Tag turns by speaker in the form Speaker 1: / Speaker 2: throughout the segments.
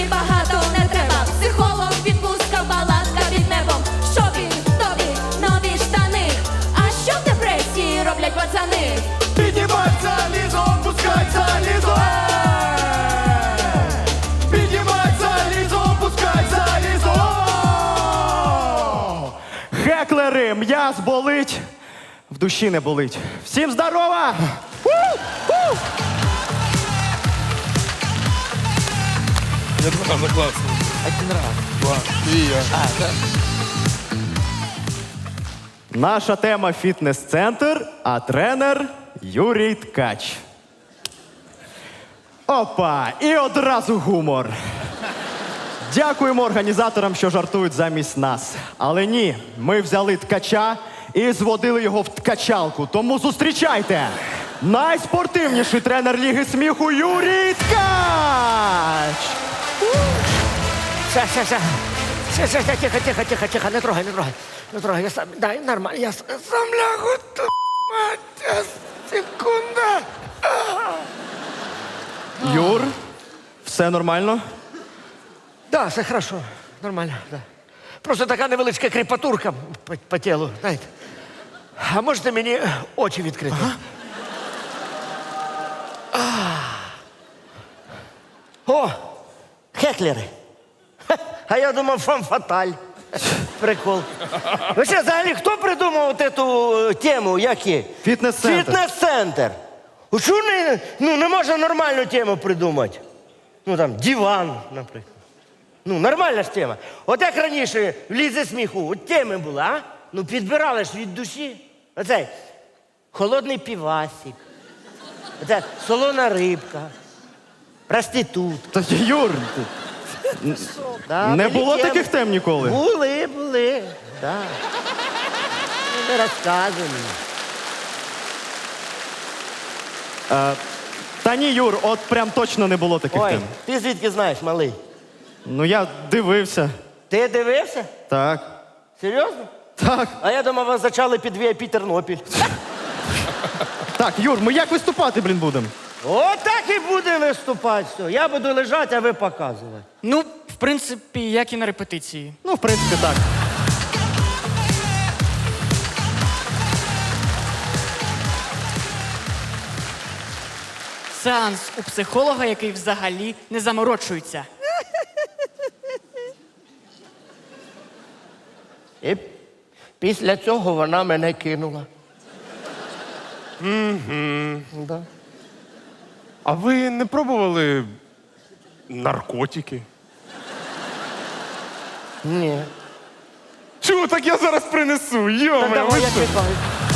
Speaker 1: мені багато не треба. Психолог, відпустка, палатка під небом. Шопінг, тобі, нові штани. А що в депресії роблять пацани?
Speaker 2: Піднімай залізо, опускай залізо. Піднімай залізо, опускай залізо. Хеклери, м'яз болить, в душі не болить. Всім здорова!
Speaker 3: Це класно.
Speaker 4: Один раз.
Speaker 3: Клас. І я.
Speaker 2: Наша тема фітнес-центр, а тренер Юрій Ткач. Опа! І одразу гумор. Дякуємо організаторам, що жартують замість нас. Але ні, ми взяли ткача і зводили його в ткачалку. Тому зустрічайте! Найспортивніший тренер Ліги сміху Юрій Ткач!
Speaker 4: Тихо, не трогай. Не трогай, я сам, дай, нормально, я сам лягу тут, мать, секунда.
Speaker 2: Юр, все нормально?
Speaker 4: Да, все хорошо, нормально, да. Просто така невеличка кріпатурка по тілу, знаєте. А можете мені очі відкрити? О, хеклери. А я думав, фам-фаталь. Прикол. Ви що, взагалі, хто придумав цю тему, як є?
Speaker 2: Фітнес-центр.
Speaker 4: Фітнес-центр. Що не можна нормальну тему придумати? Ну, там, диван, наприклад. Ну, нормальна ж тема. От як раніше в Лізі сміху, от теми були, а? Ну, підбирали ж від душі. Оцей, холодний півасик. Оце, солона рибка. Проститут.
Speaker 2: Та, Юр,
Speaker 4: Да,
Speaker 2: не
Speaker 4: були
Speaker 2: було
Speaker 4: теми.
Speaker 2: таких тем ніколи?
Speaker 4: Були, да. Ну, не розказуй мені.
Speaker 2: Та ні, Юр, от прям точно не було таких
Speaker 4: Ой,
Speaker 2: тем.
Speaker 4: ти звідки знаєш, малий?
Speaker 2: Ну, я дивився.
Speaker 4: Ти дивився?
Speaker 2: Так.
Speaker 4: Серйозно?
Speaker 2: Так.
Speaker 4: А я думав, вас зачали під VIP Тернопіль.
Speaker 2: Так, Юр, ми як виступати, блін, будемо?
Speaker 4: Отак і буде виступати все. Я буду лежати, а ви показувати.
Speaker 5: Ну, в принципі, як і на репетиції.
Speaker 2: Ну, в принципі, так.
Speaker 5: Сеанс у психолога, який взагалі не заморочується.
Speaker 4: І після цього вона мене кинула. Да.
Speaker 3: А ви не пробували наркотики?
Speaker 4: Ні.
Speaker 3: Чого, так я зараз принесу,
Speaker 4: Та
Speaker 3: йоме,
Speaker 4: давай
Speaker 3: ви
Speaker 4: я
Speaker 3: що?
Speaker 4: чекаю.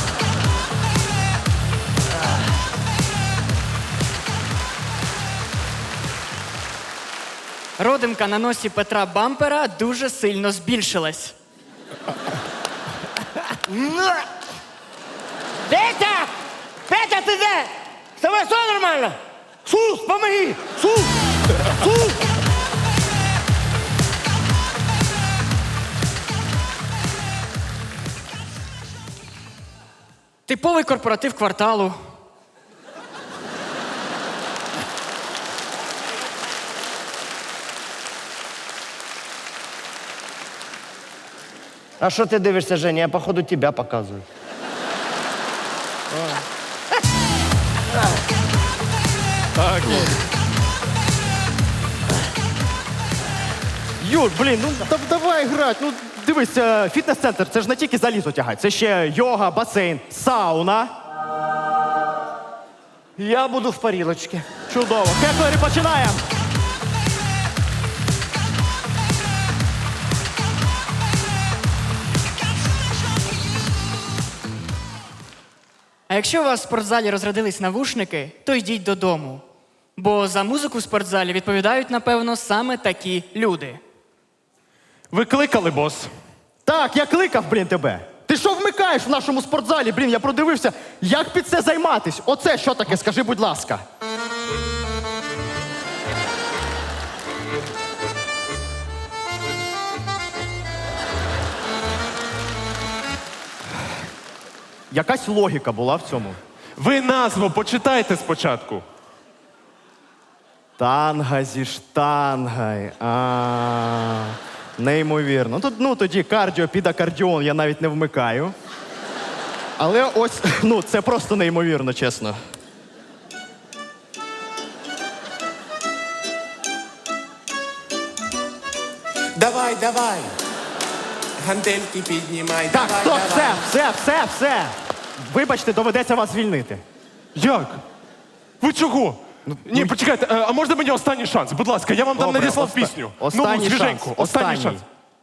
Speaker 5: Родимка на носі Петра Бампера дуже сильно збільшилась.
Speaker 4: Петя! Петя, ти де? З тобою все нормально? Сус, помоги! Сус! Сус!
Speaker 5: Типовий корпоратив кварталу.
Speaker 4: А що ти дивишся, Женя? Я, походу, тебе показую.
Speaker 3: Так,
Speaker 2: Юр, блін, ну давай грати. Ну, дивись, фітнес-центр, це ж не тільки залізо тягать, це ще йога, басейн, сауна.
Speaker 4: Я буду в парілочці.
Speaker 2: Чудово. Хеклери, починаємо.
Speaker 5: А якщо у вас в спортзалі розрядились навушники, то йдіть додому. Бо за музику в спортзалі відповідають, напевно, саме такі люди.
Speaker 3: ви кликали, бос?
Speaker 2: Так, я кликав, блін, тебе. Ти що вмикаєш в нашому спортзалі? Блін, я продивився, як під це займатись. Оце що таке, скажи, будь ласка. Якась логіка була в цьому.
Speaker 3: Ви назву почитайте спочатку.
Speaker 2: Танга зі штангой. Неймовірно. Тоді кардіо під акордіон я навіть не вмикаю. Але ось, це просто неймовірно, чесно.
Speaker 6: Давай, давай. Гантельки піднімай.
Speaker 2: Так,
Speaker 6: давай,
Speaker 2: стоп,
Speaker 6: давай.
Speaker 2: все. Вибачте, доведеться вас звільнити.
Speaker 3: Як? Ви чого? Ні, почекайте, а можна мені останній шанс? Будь ласка, я вам там
Speaker 2: Добре,
Speaker 3: надіслав пісню.
Speaker 2: Останній
Speaker 3: свіженьку.
Speaker 2: шанс.
Speaker 3: Останній шанс.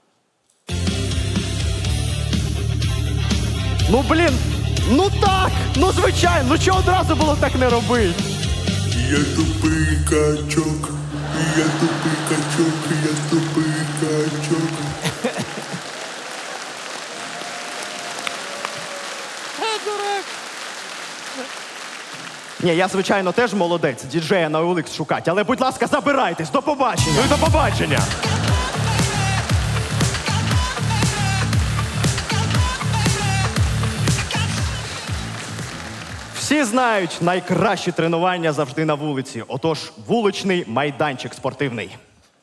Speaker 2: Так, звичайно, чого одразу було так не робити?
Speaker 7: Я тупий качок, я тупий качок, я тупий качок.
Speaker 2: Ні, я, звичайно, теж молодець, діджея на OLX шукати, але, будь ласка, забирайтесь, до побачення.
Speaker 3: Ну і до побачення.
Speaker 2: Всі знають, найкращі тренування завжди на вулиці. Отож, вуличний майданчик спортивний.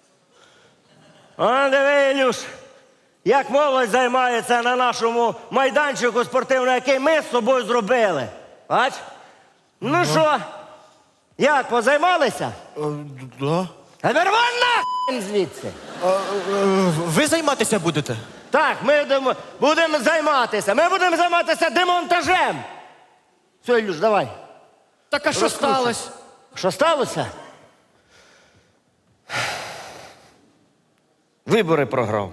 Speaker 4: Диви, Ілюш, як молодь займається на нашому майданчику спортивному, який ми з собою зробили. Бач? Ну що, як, позаймалися?
Speaker 8: Да.
Speaker 4: А тепер вон нахрен звідси.
Speaker 8: Ви займатися будете?
Speaker 4: Так, ми будемо займатися. Ми будемо займатися демонтажем. Все, Ілюш, давай.
Speaker 5: Так а що
Speaker 4: Розкручуй.
Speaker 5: сталося?
Speaker 4: Що сталося? Вибори програв.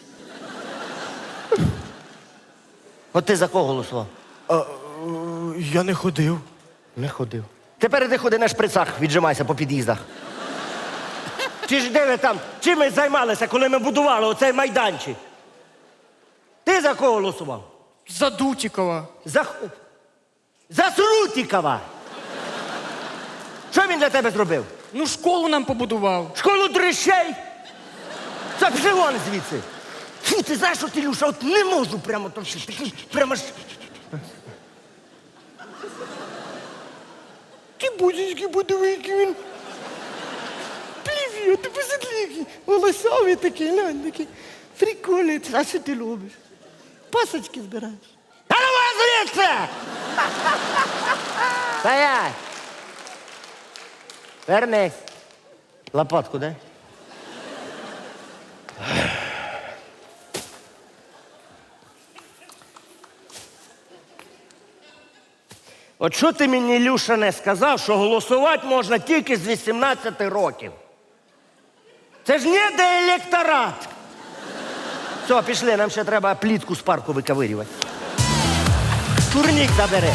Speaker 4: От ти за кого голосував?
Speaker 8: Я не ходив.
Speaker 4: Не ходив. Тепер іди ходи на шприцах, віджимайся по під'їздах. Чи ж де ви там? Чим ми займалися, коли ми будували оцей майданчик? Ти за кого голосував?
Speaker 5: За Дутікова.
Speaker 4: За Срутікова. Що він для тебе зробив?
Speaker 5: Ну, школу нам побудував.
Speaker 4: Школу дрищей? Це пішли вон звідси. Фу, ти знаєш, що ти, Люша, от не можу прямо то все. Такий, прямо ж...
Speaker 8: Ті будь-які подивики він. Привіт, ти посидлікий. Волосовий такий, глянь, такий. Прикольний. А що ти любиш? Пасочки збираєш.
Speaker 4: А ну вон звідси! Стоять! Вернись. Лопатку дай. От що ти мені, Люша, не сказав, що голосувати можна тільки з 18 років? Це ж не де електорат. Все, пішли, нам ще треба плітку з парку виковирювати. Турнік забери.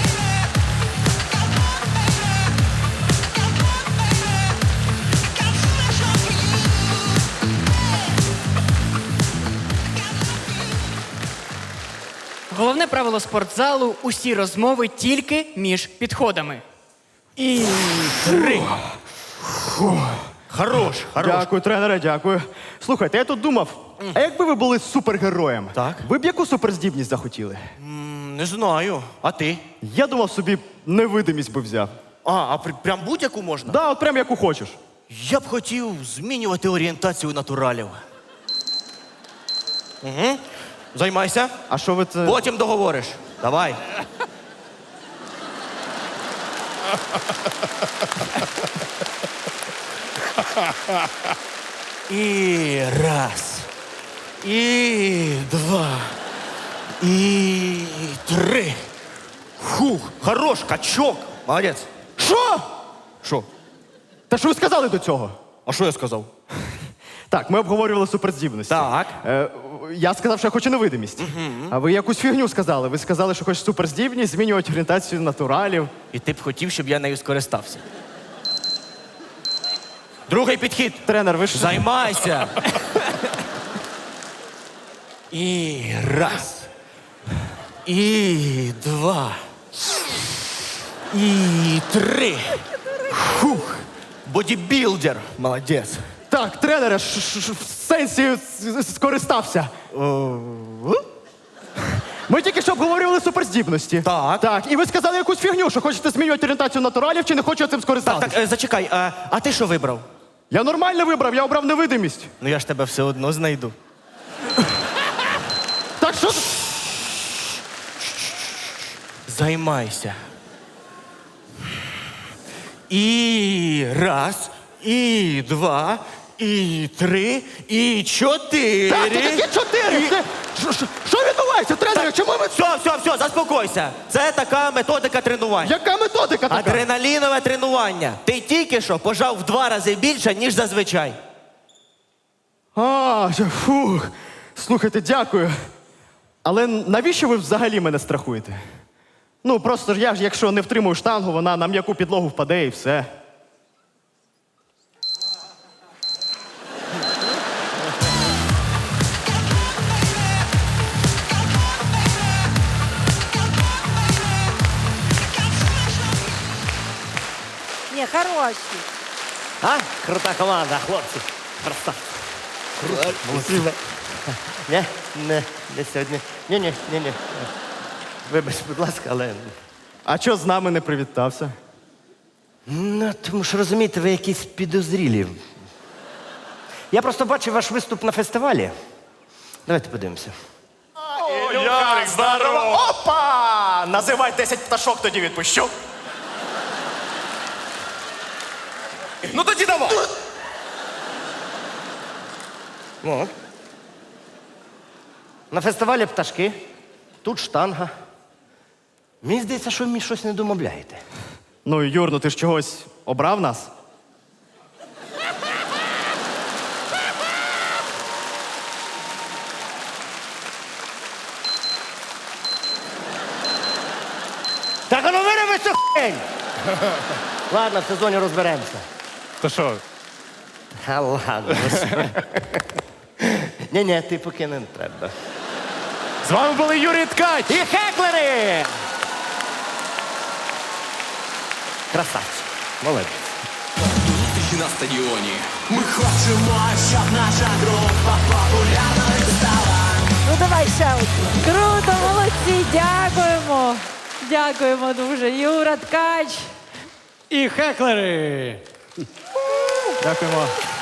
Speaker 5: Головне правило спортзалу – усі розмови тільки між підходами.
Speaker 8: І 3. Хорош, хорош.
Speaker 2: Дякую, тренере, дякую. Слухайте, я тут думав, а якби ви були супергероєм,
Speaker 8: Так.
Speaker 2: ви б яку суперздібність захотіли?
Speaker 8: Не знаю. А ти?
Speaker 2: Я думав, собі невидимість би взяв.
Speaker 8: Прям будь-яку можна?
Speaker 2: Да, от прям яку хочеш.
Speaker 8: Я б хотів змінювати орієнтацію натуралів. Угу. Займайся.
Speaker 2: А що ви це...
Speaker 8: Потім договориш. Давай. І раз. І два. І 3. Фух, хорош, качок. Молодець.
Speaker 2: Що?
Speaker 8: Що?
Speaker 2: Та що ви сказали до цього?
Speaker 8: А що я сказав?
Speaker 2: Так, ми обговорювали суперздібності.
Speaker 8: Так.
Speaker 2: Я сказав, що я хочу невидимість. А ви якусь фігню сказали. Ви сказали, що хочеш суперздібність, змінювати орієнтацію натуралів.
Speaker 8: І ти б хотів, щоб я нею скористався. Другий підхід.
Speaker 2: Тренер, ви ж...
Speaker 8: Займайся. І раз. І два. І 3. Фух. Бодібілдер. Молодець.
Speaker 2: Так, тренере, в сенсі скористався. Ми тільки що обговорювали суперздібності.
Speaker 9: Так.
Speaker 2: Так, і ви сказали якусь фігню, що хочете змінювати орієнтацію натуралів чи не хочете цим скористатися.
Speaker 9: Так, зачекай, а ти що вибрав?
Speaker 2: Я нормально вибрав, я обрав невидимість.
Speaker 9: Ну я ж тебе все одно знайду.
Speaker 2: Так що?
Speaker 9: Займайся. І раз, і два, і три, і чотири.
Speaker 2: Так, тільки 4! Що відбувається, тренер? Чому ви...
Speaker 9: Все, заспокойся. Це така методика тренування.
Speaker 2: Яка методика така?
Speaker 9: Адреналінове тренування. Ти тільки що пожав в 2 рази більше, ніж зазвичай.
Speaker 2: Фух. Слухайте, дякую. Але навіщо ви взагалі мене страхуєте? Ну, просто ж я ж, якщо не втримую штангу, вона на м'яку підлогу впаде і все.
Speaker 8: Ні, хороші.
Speaker 4: А? Крута команда, хлопці. Красавці. Молодці. Не сьогодні. Ні. Вибач, будь ласка, але.
Speaker 2: А чого з нами не привітався?
Speaker 4: Ну, тому що розумієте, ви якісь підозрілі. Я просто бачив ваш виступ на фестивалі. Давайте подивимося.
Speaker 2: Ярик, здорово! Опа! Називай 10 пташок, тоді відпущу.
Speaker 3: Ну тоді давай.
Speaker 4: От. На фестивалі пташки, тут штанга. Мені здається, що ви мені щось не домовляєте.
Speaker 2: Ну, Юр, ну ти ж чогось обрав нас?
Speaker 4: Так, а ну вироби цю хень! Ладно, в сезоні розберемося.
Speaker 3: То що?
Speaker 4: А ладно. Ні, ти поки не треба.
Speaker 3: З вами були Юрій Ткач.
Speaker 4: І хеклери! Красавчик. Молодець.
Speaker 10: На стадіоні. Ми хочемо, щоб наша група популярною стала.
Speaker 8: Ну давай ще одну.
Speaker 1: Круто, молодці, дякуємо. Дякуємо дуже. Юра Ткач.
Speaker 5: І хеклери!
Speaker 2: Дякуємо.